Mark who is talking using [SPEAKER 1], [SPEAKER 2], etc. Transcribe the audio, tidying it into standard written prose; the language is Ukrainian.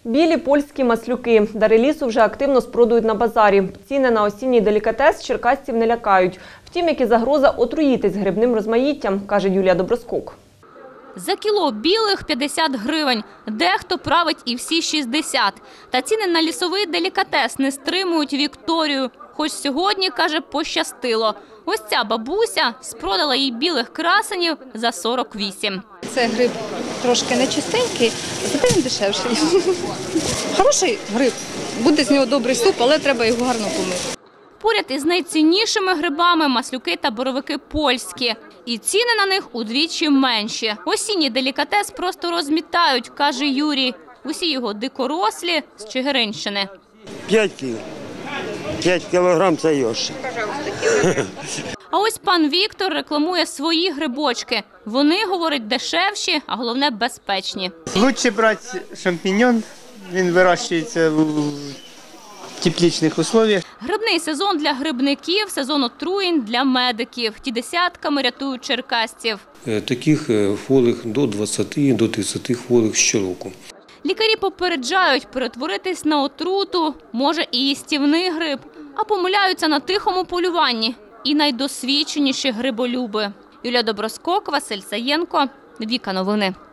[SPEAKER 1] Білі польські маслюки. Дари лісу вже активно спродують на базарі. Ціни на осінній делікатес черкасців не лякають. Втім, як і загроза отруїтись грибним розмаїттям, каже Юлія Доброскок.
[SPEAKER 2] За кіло білих – 50 гривень. Дехто править і всі 60. Та ціни на лісовий делікатес не стримують Вікторію. Хоч сьогодні, каже, пощастило. Ось ця бабуся спродала їй білих красенів за 48.
[SPEAKER 3] Це гриб трошки нечистенький, зате він дешевший. Хороший гриб, буде з нього добрий суп, але треба його гарно помити.
[SPEAKER 2] Поряд із найціннішими грибами – маслюки та боровики польські. І ціни на них удвічі менші. Осінній делікатес просто розмітають, каже Юрій. Усі його дикорослі з Чигиринщини.
[SPEAKER 4] 5 кіл. 5 кілограм – це йош.
[SPEAKER 2] А ось пан Віктор рекламує свої грибочки. Вони, говорить, дешевші, а головне – безпечні.
[SPEAKER 5] Лучше брати шампіньон, він вирощується в тепличних условиях.
[SPEAKER 2] Грибний сезон для грибників, сезон отруєнь для медиків. Ті десятками рятують черкасців.
[SPEAKER 6] Таких хворих до 20, до 30 хворих щороку.
[SPEAKER 2] Лікарі попереджають, перетворитись на отруту може і їстівний гриб, а помиляються на тихому полюванні і найдосвідченіші гриболюби. Юлія Доброскок, Василь Саєнко, Віка Новини.